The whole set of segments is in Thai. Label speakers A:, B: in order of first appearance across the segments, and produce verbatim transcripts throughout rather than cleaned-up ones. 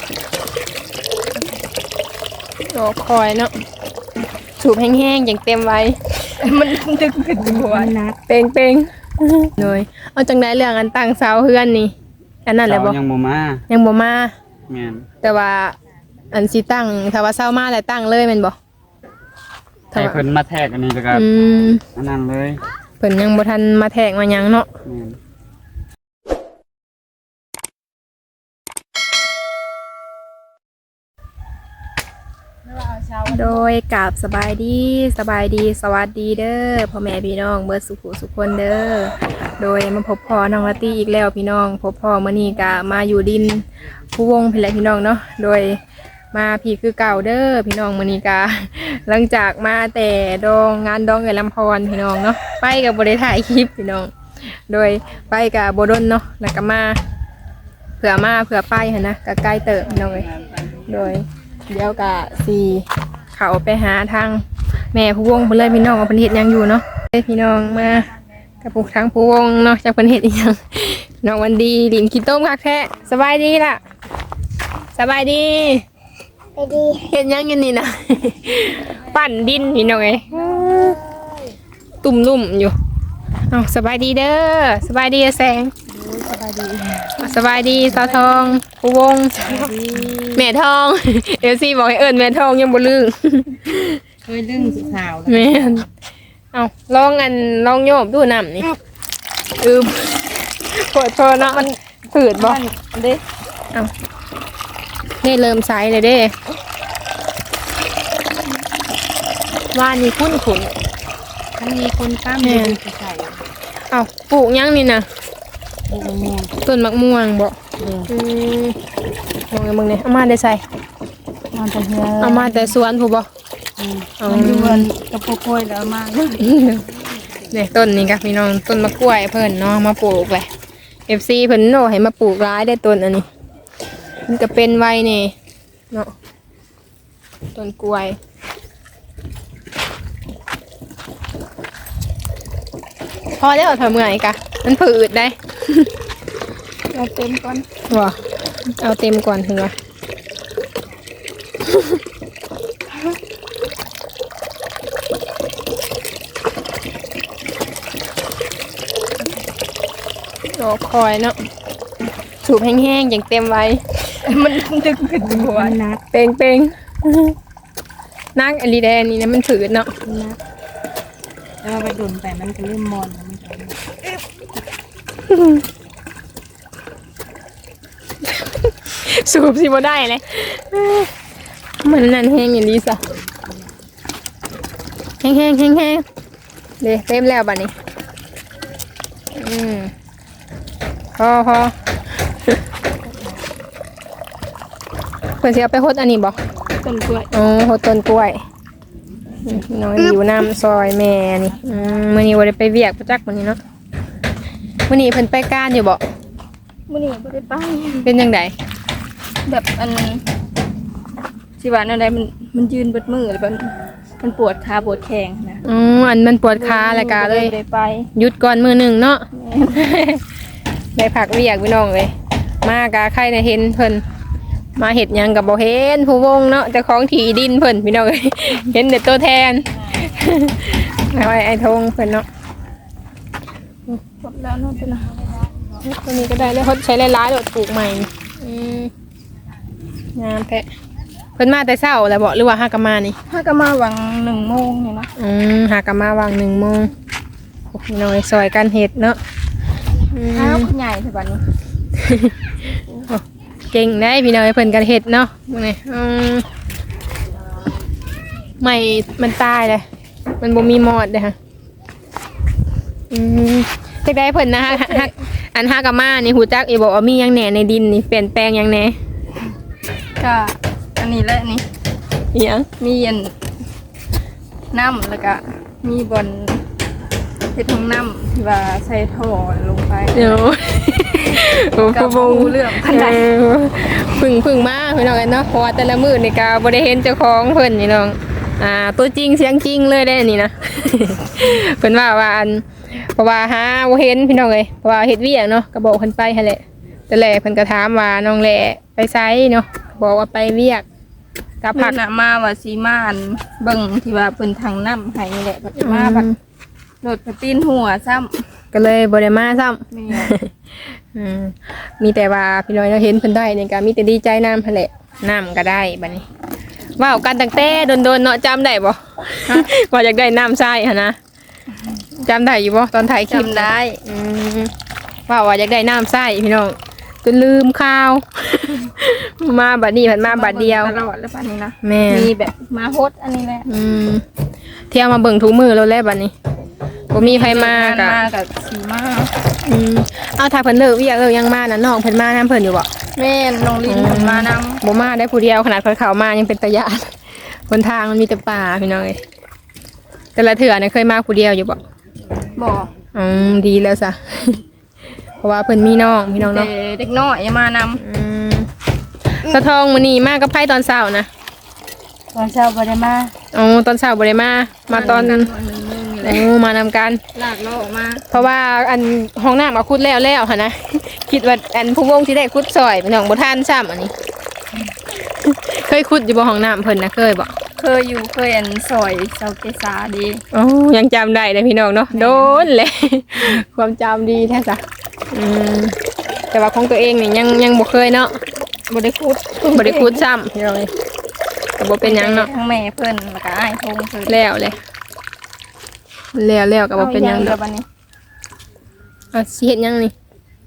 A: โอ้คอยเนาะสูบแห้งๆอย่างเต็มไว้มันดึกขึ้นหัวนักเป่งเป่งๆเลยเอาจังได้เรื่องอันตั้งเสาเฮือนนี่อันนั้นแหละบ่
B: ยังบ่มา
A: ยังบ่มา
B: แม่น
A: แต่ว่าอันสิตั้งถ้าว่าเสามาแล้วตั้งเลยแม่นบ่
B: ให้เพิ่นมาแทกอันนี้แล้วก็
A: อืม
B: อันนั้นเลย
A: เพิ่นยังบ่ทันมาแทกมาหยังเนาะ
B: แม่น
A: โดยกับสบายดีสบายดีสวัสดีเด้อพ่อแม่พี่น้องเบิดสุขสุขคนเด้อโดยมาพบพ่อน้องละตี้อีกแล้วพี่น้องพบพ่อมื้อนี้ก็มาอยู่ดินผู้วงพี่แหละพี่น้องเนาะโดยมาพี่คือเก่าเด้อพี่น้องมื้อนี้ก็หลังจากมาแต่ดองงานดองเอ๋ยลำพรพี่น้องเนาะไปก็บ่ได้ถ่ายคลิปพี่น้องโดยไปก็บ่ดนเนาะแล้วก็มาเผื่อมาเผื่อไปหั่นนะก็ใกล้เติบพี่น้องเอ้ยโดยเดี๋ยวก็สิเขาไปหาทางแม่ผู้วงเพิ่นเลยพี่น้องว่าเพิ่นเฮ็ดหยังอยู่เนาะพี่น้องมากับผู้ทางผู้วงเนาะจากเพิ่นเฮ็ดอีหยังน้องวันดีดินขี้ต้มคักแท้สบายดีล่ะสบายดี
C: ไปดี
A: เฮ็ดหยังอยู่นี่นะ ปั่นดินพี่น้องเอ้ยตุ่มลุ่มอยู่เอ้าสบายดีเด้อสบายดีแสงสบายดีสบายดีสาวทองผู้วงแม่ทองเอลซี่บอกให้เอิญแม่ทองยังบ่ลืม
C: เคยลึงสุดสาว
A: แม่เอาลองอันลองโยบดูน้ำนี่อืมปวดคอเนาะมันฝืดบ่เด้เอานี่เริ่มใสเลยเด้ว่านี่คุ้นขุน
C: มันมีคนตั้มเดินใส่
A: เอาปลูกยังนี่นะต้นมะม่วงบ่อืมมองไงมึงเนี่ยเอามาได้ใส่
C: มาแต่เฮือ
A: เอามาแต่สวนผู้บ่
C: มันอยู่บนกระโปรงกล้วยแล้วมา
A: เนี่ยต้นนี้ครับพี่น้องต้นมะกล้วยเพิ่นเนาะมาปลูกเลย เอฟ ซี เพิ่นโน่ให้มาปลูกร้ายได้ต้นอันนี้มันก็เป็นไว้นี่เนาะต้นกล้วยพอแล้วทำไงกะมันผืดได้
C: เอาเต็มก่อน
A: ว้าเอาเต็มก่อนถึงวะโอ้คอยเนาะสูบแห้งๆอย่างเต็มไว้มันดึกขึ้นหัวนักเป่งเป่งนักอลีแดนนี่นะมันผืดเนาะ
C: นักแล้วไปดุนไปมันก็เริ่มมอนมัน
A: สูบสิบ่ได้เลยมันนั่นแห้งอย่างนี้ซะแห้งแห้งแห้งแห้งเดี๋ยวเต็มแล้วบัดนี้อืมพอพอเพื่อนสิเอาไปโฮดอันนี้บอก
C: ต้นกล้วย
A: อ๋อโฮดต้นกล้วยน้องอยู่น้ำซอยแม่นี่อืมมื้อนี้บ่ได้ไปเวียกประจักมื้อนี้เนาะมื้อนี้เพิ่นไปการอยู่บ่
C: มื้อนี้บ่ได้ไป
A: เป็นจังได
C: แบบอันสิว่าอันใดมันมันยืนเบิดมือแล้วมันมันปวดขาปวดแข้งนะ
A: อ๋ออันมันปวดขาแล้วก็เลย
C: ได้ไป
A: หยุดก่อนมื้อนึงเนาะได้พักเวียกพี่น้องเอ้ยมากะใครน่ะเห็นเพิ่นมาเห็ดยังกับบ่เห็นผู้วงเนาะเจ้าของที่ดินเพิ่นพี่น้องเอ้ยเห็นแต่ตัวแทนเอาไอ้ไอ้ทงเพิ่นเนาะ
C: หมดแล้วเนาะเป็น
A: ตัวนี้ก็ได้แล้วเขาใช้หลายๆโดดปลูกใหม่อืมงามแท้เพิ่นมาแต่เช้าแล้วบ่หรือว่าหากะมานี่
C: หากะมาวังหนึ่งโมงนี่เนาะ
A: อืมหากะมาวางหนึ่งโมงพี่น้องซอยกันเห็ดเนาะ
C: ข้าวใหญ่สิบัดนี้
A: เก่งได้พี่น้องเพิ่นกันเห็ดเนาะนี่อืมไม่มันตายเลยมันบ่มีมอดเลยค่ะอืมจักได้เพิ่นนะฮะอันฮากามานี่หูจักอีบอกว่ามีหยังแหน่ในดินนี่เปลี่ยนแปลงหยังแหน่
C: ก็อันนี้แหละนี่
A: หยัง
C: มีอันน้ำแล้วก็มีบอนเฮ็ดของน้ำที่ว่าใส่ท่อลงไป
A: เดี๋ยวโอ้
C: ก็บ่รู้เรื่องปานใด
A: พึ่งพึ่งมาพี่น้องกันเนาะเพราะว่าแต่ละมื้อนี่ก็บ่ได้เห็นเจ้าของเพิ่นนี่น้องอ่าตัวจริงเสียงจริงเลยได้นี่นะเพิ่นว่าว่าอันเพราะว่าหาบ่เห็นพี่น้องเอ้ยเพราะว่าเฮ็ดเวียกเนาะก็บอกเพิ่นไปหั่นแหละแต่แลเพิ่นก็ถามว่าน้องแหละไปไสเนาะบอกว่าไปเวียกกับ
C: พั
A: ผั
C: ก
A: ก
C: น่ะมาว่าสิมาอันเบิ่งที่ว่าเพิ่นทางน้ำให้นี่แหละบัดมาบัดรถไปตีนหัวซ้ำ
A: ก็เลยบ่ได้มาซ้ำ
C: แม่
A: อืมมีแต่ว่าพี่น้อยเราเห็นเพิ่นได้นี่ก็มีแต่ดีใจน้ำหั่นแหละน้ำก็ได้บัดนี้ว้าวกันตั้งแต่โดนๆเนาะจำได้บ่ ว่าอยากได้น้ำทรายหั่นนะจำได้อยู่บ่ตอนถ่ายคลิป
C: จำได้
A: อืมว่าว่าอยากได้น้ำทรายพี่น้องจนลืมข้าว มาบัดนี้เพิ่นมาบัดเดียว
C: ตลอดแล้วบัดนี้นะ
A: แม่
C: มีแบบมาโฮดอันนี้แหละ
A: อืมเที่ยวมาเบิ่งทุกมือแล้วแหละบัดนี้บ่มีใครมากะ
C: มากับสีมา
A: อืมเอาถ้าเพิ่นเลิกเวียกเลิกยังมาน่ะน้องเพิ่นมานํเพิ่นอยู่บ่
C: แม่นน้องลินเพิ่นมานำ
A: บ่มาได้ผู้เดียวขนาดเพิ่นเข้ามายังเป็นตะยานบนทางมันมีแต่ป่าพี่น้องเอ้ยแต่ละเถื่อน่ะเคยมาผู้เดียวอยู่บ่
C: บอก
A: อืมดีแล้วซะ เพราะว่าเพิ่นมีน้องพี่น้อง
C: แต่
A: เนาะ
C: เด็กน้อยมานำ
A: อืมสะทองมื้อนี้มากับไผตอนเช้านะ
C: ตอนเช้าบ่ได้มา
A: อ๋อตอนเช้าบ่ได้มา มาตอน
C: หนึ่งโมงนี่แหละ
A: โอ้มานำกัน
C: ลากเราออกมา
A: เพราะว่าอันห้องน้ำเอาขุดแล้วแล้วหั่นนะ คิดว่าอันผู้วงสิได้ขุดซอยพี่น้องบ่ทันซ้ำอันนี้ เคยขุดอยู่บ่ห้องน้ำเพิ่นนะเคยบ่
C: เคยอยู่เคยอันซอยเซาเกษาดี
A: โอ้ยังจำได้เลยพี่น้องเนาะโดนเลย ความจำดีแท้จ้ะอืมแต่ว่าของตัวเองนี่ยังยังบ่เคยเนาะ
C: บ่ได้คุด
A: บ่ได้ขุดซ้ำพี่น้องเอ้ยก็บ่เป็นหยังเนาะ
C: ทั้งแม่เพิ่นแล้วก็อ้ายทงเพิ่น
A: แล้วเลยแล้วแล้วก็บ่เป็นหยัง
C: อา
A: ด
C: เดี๋
A: อย ก
C: วบัดนี้
A: อ่ะสิเฮ็ดหยังนี่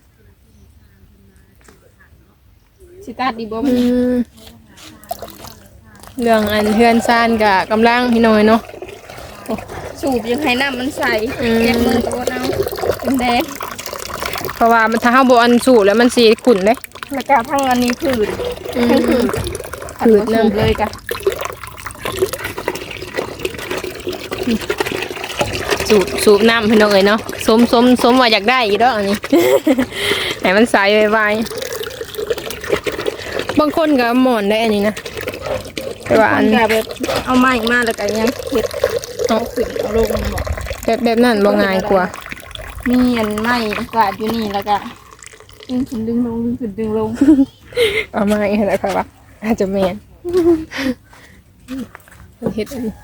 C: สิตัดดีบ่บั
A: อื
C: ดนี้
A: มเรื่องอันเฮือนซ่านก็กำลังพี่น้อยเนาะ
C: สูบยังให้น้ำมันใส
A: อืม
C: แยกมือตัวเอาเป็นแดง
A: เพราะว่ามันถ้าเฮาบ่อันสูบแล้วมันสิขุ่นเด้
C: แล้วก็ทั้งอันนี้ผืด
A: อืม
C: ทั้งผืด
A: ผืด
C: น้ำ
A: นำ
C: เลยกะ
A: สูบสูบน้ำพี่น้องเอ้ยเนาะสมสมสมว่าอยากได้อีกดอกอันนี้ ให้มันใสไวๆบางคนก็หมอนได้อันนี้นะแต่ว่า
C: อั
A: อั
C: น
A: น
C: ก็แบบเอาไม้มาแล้วก็ยังเฮ็ดเอาขึ้นเอาลงบ่
A: แบบแบบนั้นบ่ง่ายกว่า
C: มีอันไม้กวาดอยู่นี่แล้วก็ดึงขึ้นดึงลงดึงขึ้นดึงลง
A: เอามาอีกแล้วค่ะว่าอาจจะแม่นเฮ็ดอันนี้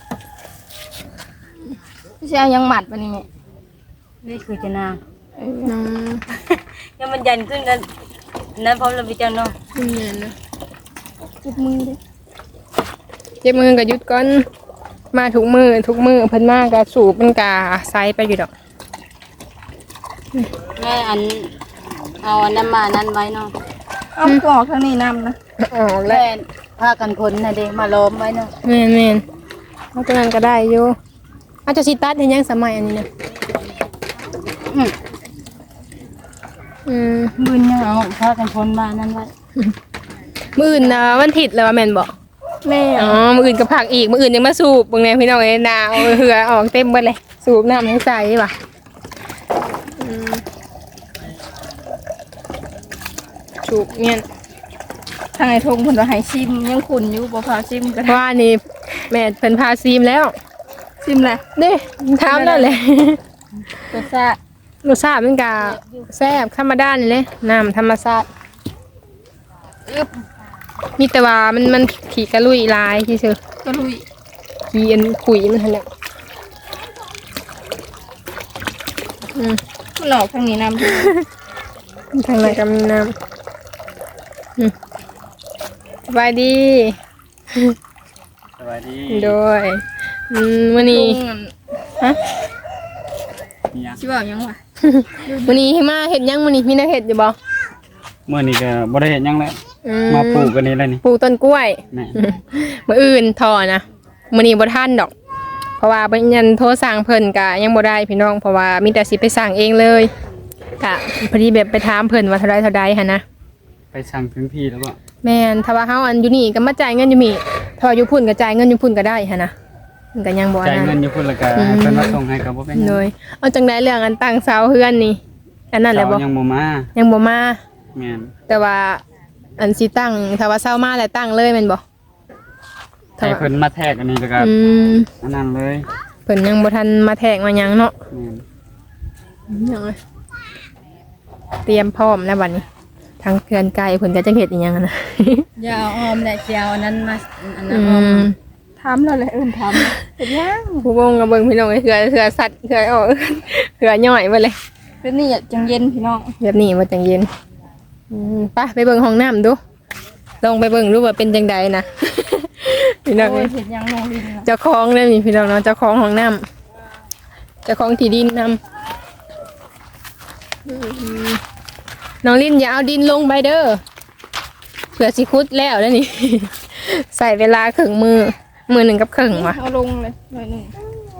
C: ไม่ใช่เอายังหมัดปะนี่แม่
D: นี่คือจะนาง
C: เออ
A: น้อง
D: ยังมันยันขึ้นนั้นนั้นพร้อมเราไปเจ้าเนาะ
A: นี่แม่นนะ
C: จุดมือดิ
A: เจ็บมือก็หยุดก่อนมาทุกมือทุกมือเพิ่นมาก็สูบมันก็ไซไปอยู่ดอก
D: แม่อันเอาอันนั้นมานั้นไว้เนาะ
C: เอากรอกทางนี้นำนะ
A: อ๋อแล้
D: แม่ผ้ากันคนนะเด็มาล้อมไว้เนาะ
A: แม่นแม่นเอาตัวนั้นก็ได้อยู่อาจจะสิตัดเฮ็ดหยังสมัยอันนี้นะ
D: อืม
A: อืม
D: มือเนี่ยเอาผ้ากันคนมานั้นไว้
A: มื้ออื่นน่ะวันอาทิตย์แล้วว่าแม่นบ่
C: แม่
A: อ๋อมื้ออื่นก็พักอีกมื้ออื่นยังมาสูบเบิ่งแน่พี่น้องเอ้ยหนาวเหือออกเต็มเบิดเลยสูบน้ำให้ใส่ว่ะอืมสูบเงี้ย
C: ทางไอ้ทงเพิ่นว่าให้ชิมยังขุ่นอยู่บ่พาชิมก็
A: เพ
C: ได้
A: ราะว่านี่แม่เพิ่นพาซีมแล้ว
C: ชิมแหละ
A: เด้ถามแล้วแหละ
C: รสชาติ
A: รสชาติมันก็แซ่บธรรมดานี่เลยน้ำธรรมชาติอึ๊บมีแต่ว่ามันมันขี้กระลุยลายที่ซื่อ
C: ก็ลุย
A: ขี้อันขุยมันหั่นแหละอืม
C: มันออกทางนี้นำ
A: ทางไหนก็มีน้ำอืมสบายดี
B: สวัสดี
A: โดยอืมวันนี้
C: ลุงอัน
A: ฮะ
B: เนี่ย
C: สิว่าหยังวะ
A: วันนี้ให้มาเห็ดหยังวันนี้มีแนวเห็ดอยู่บ่
B: เมื่อนี้ก็บ่ได้เห็นหยังแล้ว
A: อื
B: มาปลูกกันนี่เลยนี่
A: ปลูกต้นกล้วย
B: แม่
A: มื้ออื่นทอนะมื้อนี้บ่ทันดอก เพราะว่าเพิ่นยันโทรสั่งเพิ่นก็ยังบ่ได้พี่น้องเพราะว่ามีแต่สิไปสั่งเองเลยก็พอดีแบบไปถามเพิ่นว่าเท่าใดเท่าใดหั่นนะ
B: ไปสั่งถึงที่แล้วบ่
A: แม่นถ้าว่าเฮาอันอยู่นี่ก็มาจ่ายเงินอยู่นี่ถ้าว่าอยู่พุ่นก็จ่ายเงินอยู่พุ่นก็ได้หั่นนะมันก็ยังบ่อัน
B: จ่าย
A: นั้น
B: เงินอยู่พุ่นแล้วก็
A: อืม
B: ให้เพิ่นมาส่งให้ก็บ่เป็นหยัง
A: เลยเอาจังไดเรื่องอันตั้งเสาเฮือนนี่อันนั้นแหละบ่
B: เช้ายังบ่มา
A: ยังบ่มา
B: แม่น
A: แต่ว่าอันสิตั้งถ้าว่าเศร้ามาแล้วตั้งเลยแม่นบ่
B: ให้เพิ่นมาแทกอันนี้แล้วก็
A: อืม
B: อันนั้นเลย
A: เพิ่นยังบ่ทันมาแทกมาหยังเนาะ
B: แม่น
A: ยังไงเตรียมพร้อมแล้วบัดนี้ ถางเขื่อนไกลเพิ่นก็จังเฮ็ดอีหยังอะนะ
D: อย่าเอาออมแหละสิเอาอันนั้นมาอันนั้
A: อื
D: นออม
A: ม
C: ถามเราเลยเอิ้นถามเฮ็ดยัง
A: ผู้วงก็เบิ่งพี่น้องเอ้ยเขื่อเขื่อสัตว์เขื่อออก เขื่อย่อยไปเลย
C: เป็นนี่อะจังเย็นพี่น้อง
A: แบบนี้บ่จังเย็นอืมไปไปเบิ่งห้องน้ำดูลองไปเบิ่งดูว่าเป็นจังใดนะ พี่น้อง
C: โอ้
A: เอ้
C: ย
A: ย
C: เฮ็ดยังลงดินน่ะ
A: เจ้าของเด้อนี่พี่น้องเนาะเจ้าของห้องน้ำเจ้าของที่ดินนำอืมน้องลินอย่าเอาดินลงไปเด้อเผื่อสิคุดแล้วเด้อนี่ ใส่เวลาครึ่งมือมือหนึ่งกับครึ่งวะ
C: เอาลงเลยหน่อยหนึง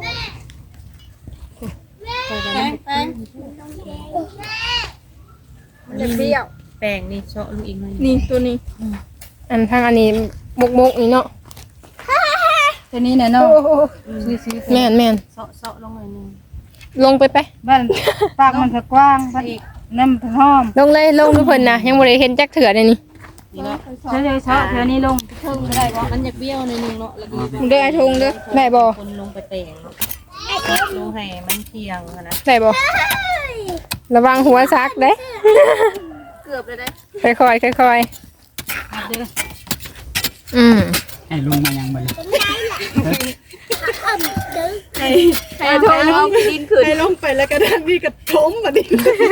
C: มันจะเปรี้ยว
D: แป้งนี่เชาะลูกอีกหน่อย
C: นี่ตัวนี้
A: อันทางอันนี้บกบกนี่เนาะ
C: ตัวนี้น่ะเนาะ
D: ซื้อๆ
A: แม่นแม่น
D: เชาะเชาะลงหน่อยหนึง
A: ลงไปไป
C: บ้านปากมันจะกว้างบ้านอีกน้ำถึงหอม
A: ลงเลยลงทุกคนนะยังบ่ได้เห็นจักเถื่อเลยนี่
D: นี่เนาะเชาะเชาะเท่านี้ลงเพิ่มก็ได้บ่มันอยากเบี้ยวหน่อยหนึงเนาะแล้วก็
C: มึงเด้อไอ้ทงเด้อ
A: ได้บ่
D: คนลงไปแต่งเนาะลงให้มันเที่ยงอะนะ
A: ได้บ่ระวังหัวซักเด้
C: เกือบเลยได้
A: ค่อยๆค่อย
D: เอาเด้อ
A: ๆอืม
B: ให้ลุงมายังบ่เลย
C: ไอ้ทงเอาดินขึ้นให้ลงไปแล้วก็ด้านนี้ก็ถมบัดนี้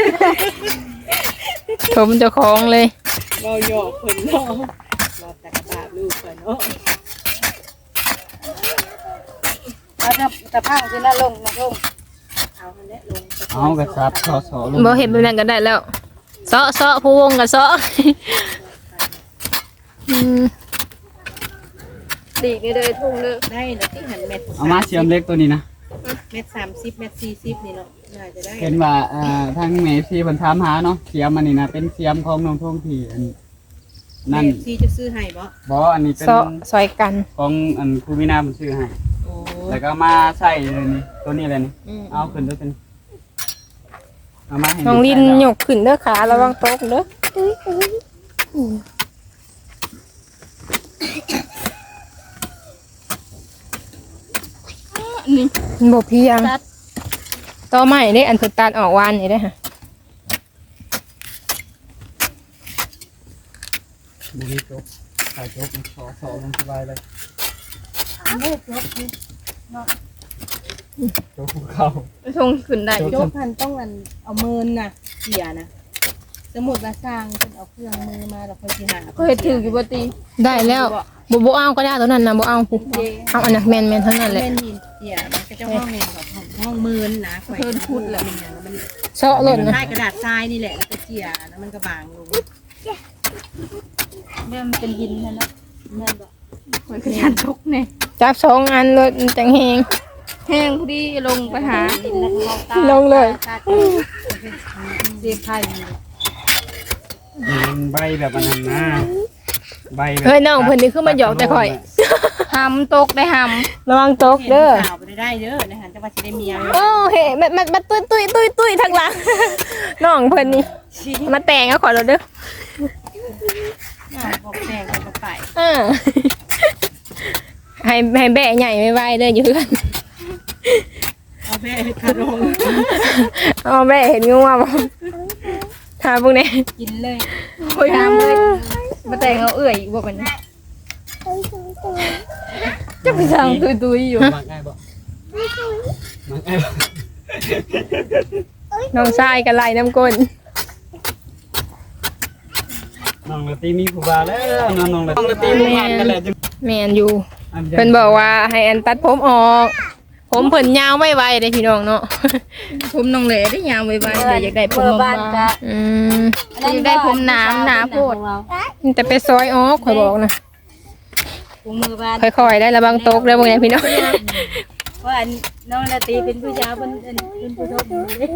A: ผมเจ้าของเลย
C: เราหยอกคนเนาะเราแต่กระดาษลูกไปเนาะ
D: เอาแต่แต่พังสินะลงนะลงเอาอันนี้ลง
B: เอากระซับเชาะเชาะลง
A: บ่เห็นแบบนั้นก็ได้แล้วเซาะเซาะผู้วงก็เซาะ อืม
C: ดีนี่เลยทงเด้อ
D: ได้แล้วที่หันเม็ด
B: เอามาเชื่อมเล็กตัวนี้นะ
D: เม็ดสามสิบเม็ดสี่สิบนี่เนาะน่าจะได้
B: เห็นว่าอ่าทางเมซี่เพิ่นถามหาเนาะเสียมอันนี้นะเป็นเสียมของน้องท่องที่อันนั่น
D: เม็ดสี่จะซื้อให้บ่
B: บ่อันนี้เป็น
A: เซาะซอยกัน
B: ของอันครูวินาเพิ่นซื้อให้
D: โอ้
B: แล้วก็มาใส่เลยนี่ตัวนี้เลยนี่
D: อืม
B: เอาขึ้นด้วยเป็นเอามาให้
A: น้องลิน
B: ใส่
A: ย
B: แล้ว
A: กขึ้นเด้อขาระวังตกเด้อ
C: นี่
A: มันบ่เพียงต่อใหม่เด้อันสุดตัดออกวานนี่เด้อฮะ
B: บุรีจบถ่ายจบสอสอลงสบายเลยจบภูเขา
C: ไอ้ทงขึ้นได้
D: โจกพันต้องอันเอามือน่ะเกี่ยนะสมมุติว่าสร้างเพิ่นเอาเครื่องมือมาแล้วค่อยสิหา
C: ก็เฮ็ดถืออยู่บ่ตี
A: ได้แล้วบ่บ่เอาก็ได้ตัวนั้นนะบ่เอาปุ๊เอาอันนั้นแม่นๆทั้งนั้นแหละ
D: เป็นหินเกี่ยมันก็จะห้องหนึงกับห้องห้องมือนะข่อยเพิ่นพูดแล้วมันหยังมัน
A: เซาะหล่นนะ
D: ได้กระดาษทรายนี่แหละแล้วก็เกี่ยแล้วมันก็บางลงเริ่มเป็นหินแล้วนะแม่นบ่
C: ข่อยก็ยันทกนี่
A: จับสองอันรถจังแฮง
C: แห้งพอดีลงไปหา
D: หินแล้วก็ตา
A: ลงเลย
D: ตาเสียบไผ่
B: มันใบแบบอันนั้นนะใบแบบ
A: เฮ้ยน้องเพิ่นนี่คือมาหยอกแต่ข่อย
C: หำตกได้ห
A: ระวังตกเด้อ
D: สาวไปได้เด้อนะคะจะว่าสิได้เมีย
A: โอ้เฮ้มันมันมันตุ้ยตุ้ยตุ้ยตุ้ยทางหลัง น้องเพิ่นนี่มาแต่งเอาขอเราเด้อ
D: บอกแดงกันไป
A: อ่า ให้ให้แบะใหญ่ไม่ไหวเด้ออยู่เพื่อน
D: เอาแม่คารง
A: เอาแบะเห็นงูว่าบ่ถามพวกนี้
D: กินเลย
C: ำข่อยหำเลยมาแต่งเอาเอื่อยอีกบ่บัดนี้จะไปสั่งตุยๆอยู่
B: มักง่ายบ่มักง่ายบ่
A: น้องชายกันไล่น้ำก้น
B: น้องละตีมีผู้บ่าวแล้วน้องน้องละน้องละตีมีงานกันแล้วจัง
A: แมนอยู่
B: อั
A: เพิ่นบอกว่าให้อันตัดผมออก ผมเพิ่นยาวไว้ไวๆเด้พี่น้องเนาะ
C: ผมน้องเหล่ได้ยาวไว้ๆเลยอยากได้ผม
D: เบอร์บ้าน
C: บาง
D: กะ
A: อืม
C: อยากได้ผมหนาหนาโพด
A: แต่ไปซอยออกข่อยบอกนะ
D: กูมือบ้าน
A: ค่อยๆได้ระวังตกเด้อพวกนี้พี่น้อง
D: ว่าอันน้องละตีเป็นผู้ชายเป็นเป็นผู้ชมเลย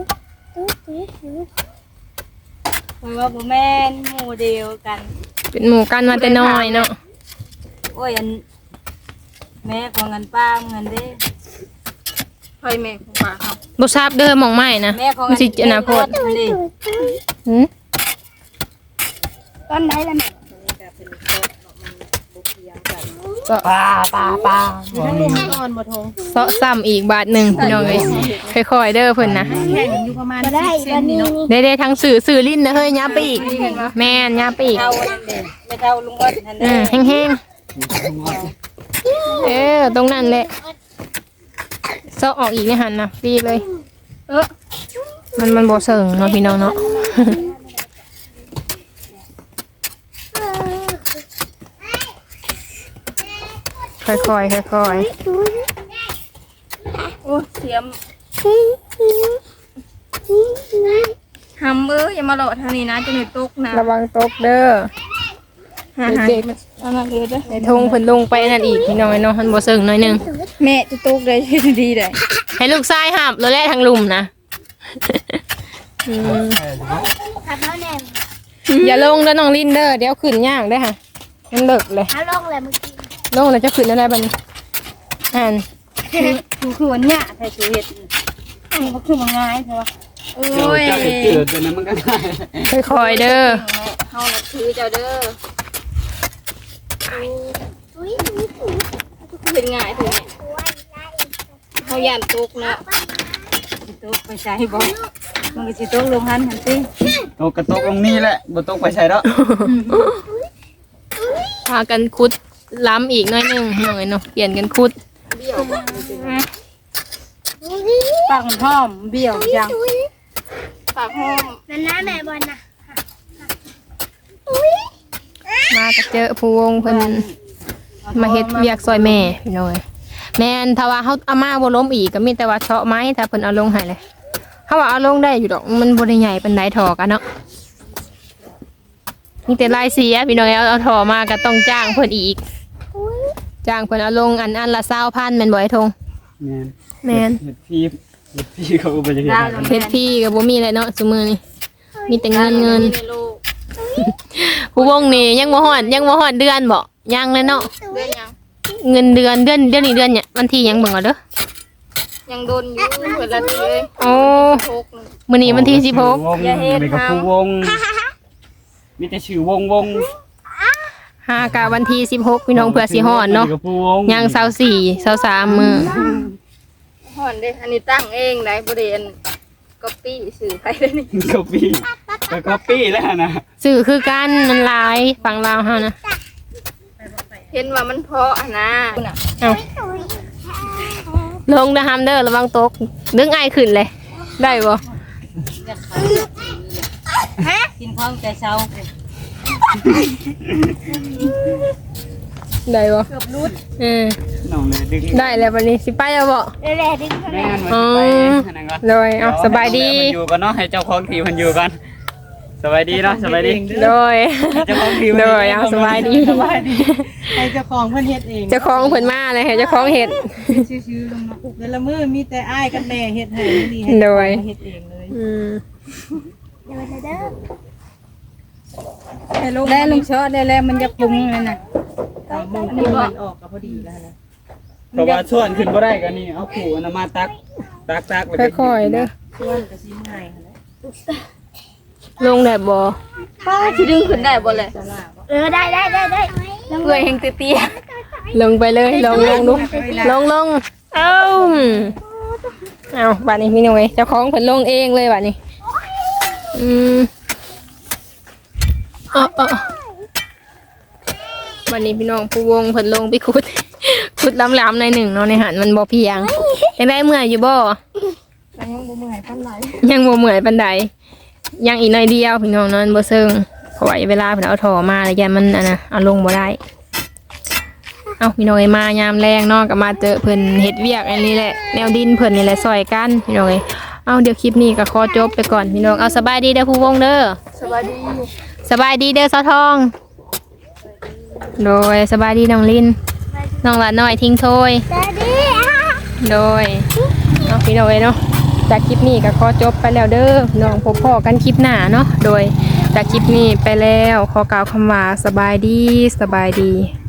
D: เพราะว่าบ่แม่นหมู่เดียวกัน
A: เป็นหมู่กันมาแต่น้อยเนาะ
D: โอ้ยอันแม่ของเงินป้าเงินเด้
C: ไผแม่ของป้าครับ
A: บ่ทราบเด้อหม่องไม้นะ
D: แม่ของ
A: มันสิอนาคต
D: นี่
A: หืม
C: ตอนไหนล่ะแม่
D: นี่ก็เป็นโต๊ะมันบ่เคียงกัน
A: าะ
B: ปลาปลาปลา
D: อยู่ทั้งลุมก่อนบ่ทง
A: เซาะซ้ำอีกบาทหนึ่งพี่น้องเอ้ยค่อยๆเด้อเพิ่นนะ
D: แข่งอยู่ประมาณสิบเซนนี่เนาะ
A: ได้ได้ทั้งสื่อสื่อลิ้นนะเฮ้ยยับไปอีกแม่นยับไปอีก
D: เท่านั่นเด้ไม่เท่าลุงอ้นนั่น
A: อื
D: เด้
A: มแห้งๆเออตรงนั้นแหละเซาะออกอีกไม่หันนะฟรีเลย
C: เออ
A: มันมันบ่เสิงเนาะพี่น้องเนาะ ค่อยๆค่อย
C: โอ้เสียมหำเอ้ยอย่ามาหลอกทางนี้นะจะหนูตกนะ
A: ๆระวังตกเด้อ
C: หาหา
A: เด็ก
C: เอามาเลยเด้อ
A: ในทงเพิ่นลงไปนั่นอีกพี่น้องเนาะมันบ่เสิงหน่อยหนึง
C: แม่จะตกเลยดีเลย
A: ให้ลูกชายหับแล้วแล่ทางลุมนะอืมอย่าลงเด้อน้องลินเด้อเดี๋ยวขึ้นยากเด้อค่ะมันเลิกเลย
E: ถ้าลงเลยเมื่อกี้
A: ลงแล้วจะขึ้นอะไรบัดนี้อ่าน
D: คือคือวันเนี้ยใส่ชีวิตอันนี้ก็คือมันง่ายใช่ปะ
C: โอ้
B: เจ้าย เจ้าเห็ดเจืดตัวนั้นมันก็ได้
A: ค่อยๆเด้อ
C: เฮานับถือเจ้าเด้อ
E: อุ้ยอุ้ยอุ้ย
C: เป็นง่ายถึงเนี่ยเฮาย่านตกเนาะ
D: สิโต๊ะไปใช้บ่มันก็สิโต๊ะลงหันหันติ
B: ตกกระตกลงนี่แหละบ่ตกไปใส่แล้ว
A: พากันคุดล้ำอีกหน่อยหนึงหน่อยเนาะเปลี่ยนกันคุด
C: เบี้ยวบ่
D: ปากมันหอมเบี้ยวจัง
C: ปากห้อม
E: นั่นนะแม่บอลนะ
A: มาก็เจอผู้วงเพิ่นมาเฮ็ดเวียกซอยแม่พี่น้อยแม่นถ้าว่าเฮาเอามาบ่ล้มอีกก็มีแต่ว่าเฉาะไม้ถ้าเพิ่นเอาลงให้เลยเฮาว่าเอาลงได้อยู่ดอกมันบ่ได้ใหญ่ปานใดถอกันเนาะมีแต่ลายเสียพี่น้อยเอาเอาถอมาก็ต้องจ้างเพิ่นอีกจ้างเพิ่นเอาลงอันอันละยี่สิบพันแม่นบ่ไอ้ทง
B: แม่น
A: แม่น
B: เห็ดพี่เห็ดพี่เขาก็บ่จะเห็ดให้
A: เฮ็ดพี่ก็บ่มีอะไรเนาะซุมื้อนี้มีแต่เงินเงิน
C: ในโลก
A: ผู้วงนี่ยังบ่ฮอดยังบ่ฮอดเดือนบ่ยังเลยเนาะ
C: เรื่องยัง
A: เงินเดือนเดือนเดือนนี้เดือนเนี่ยวันที่หยังเบิ่งเอาเด้อ
C: ยังโดนอยู่เปิดละทีเลย
A: โอ้
C: โชคหนึง
A: มื้อนี้วันที่สิบหก
B: วงมีกับผู้วงมีแต่ชื่อวงวง
A: ห้ากะวันที่สิบหกพี่น้องเผื่อสิฮอดเนาะ
B: มีกับผู้วง
A: ยังเศร้าสี่เศร้าสามมื้อ
C: ห่อนเด้อันนี้ตั้งเองได้บ่ได้อันก๊อปปี้สื่อไปได้นี่
B: ก๊อปปี้ก็ก๊อปปี้แล้วนะ
A: สื่อคือกันมันหลายฝั่งลาวเฮานะ
C: เห็นว่ามันเพาะอะนะ
A: เอ้าลงนะฮัมเด้อระวังตกดึงไอขึ้นเลย ได้บ่
D: กินข้าวแต่เช้า
A: ได้บ่
C: เกือบรุด
A: เออ
B: น้องเลยดึง
A: ได้แล้ววันนี้สิไปแล้วบ่
E: เร็วๆดึงเข้า
B: แม่
E: มา
B: นมันไปอันนั้นก่อน
A: เลยเอาสบายดี
B: มันอยู่กันเนาะให้เจ้าของทีมันอยู่กันสบายดีเนาะสบายดี
A: โดย
B: เจ้าของทีม
A: โดยเอาสบายดี
D: สบายดีให้เจ้าของเพิ่นเฮ็ดเอง
A: เจ้าของเพิ่นมาเลยให้เจ้าของเฮ็ด
D: ชื่อๆลงมาปลูกแต่ละมื้อมีแต่อ้ายกับแม่เฮ็ดให้นี่ให้
A: โดย
D: เฮ็ดเองเลย
A: อืม
E: เดี๋ยวเด้อ
D: ได้ลุงชอได้แล้วมันจะปรุงนั่นน่ะตามมุมที่มันออกก็พอดีแล้วนะ
B: เพราะว่าส่วนขึ้นบ่ได้ก็นี่เอาขู่อันนั้นมาตักตักตักแล้วก็
A: ค่อยๆเด้อ
D: ส่วนก็สิง่ายหั่นแหละ
A: ลงได้บ่
C: ป้าสิดึงขึ้นได้บ่เลย
D: จะลาบ่
E: เออได้ได้ได้ได้
C: เอื้อยแห่งเตี้ย
A: ลงไปเลยลงลงดูลงลงเอ้าเอาบัดนี้พี่น้อยเจ้าของเพิ่นลงเองเลยบัดนี้อืมเอ๋อาบัดนี้พี่น้องผู้วงเพิ่นลงไปขุด ขุดล้ำๆในอยหนึ่งเนาะในหันมันบ่เพียงยังได้เมื่อยอยู่บ่
C: ๆยังบ่เมื่อยปานใด
A: ยังบ่เมื่อยปานใดยังอีกหน่อยเดียวพี่น้องเนอนบ่เซิงเพราะว่าเวลาเพิ่นเอาถอมาแล้วยันมันอันน่ะเอาลงบ่ได้เอาพี่น้องเอ้ยมายามแรงเนาะก็มาเจอเพิ่นเฮ็ดเวียกอันนี้แหละแนวดินเพิ่นนี่แหละซอยกันพี่น้องเอ้ยเอาเดี๋ยวคลิปนี้ก็ขอจบไปก่อนพี่น้องเอาสบายดีเด้อผู้วงเด้อ
C: สวัสดี
A: สบายดีเด้อสาวทอง โดยสบายดีน้องลินน้องหลานน้อยทิ้งโทย
E: สวัสดีอ่ะ
A: โดยเอาพี่น้องเอ้ยเนาะจากคลิปนี้ก็ขอจบไปแล้วเด้อน้องพบพ่อกันคลิปหน้าเนาะโดยจากคลิปนี้ไปแล้วขอกล่าวคำว่าสบายดีสบายดี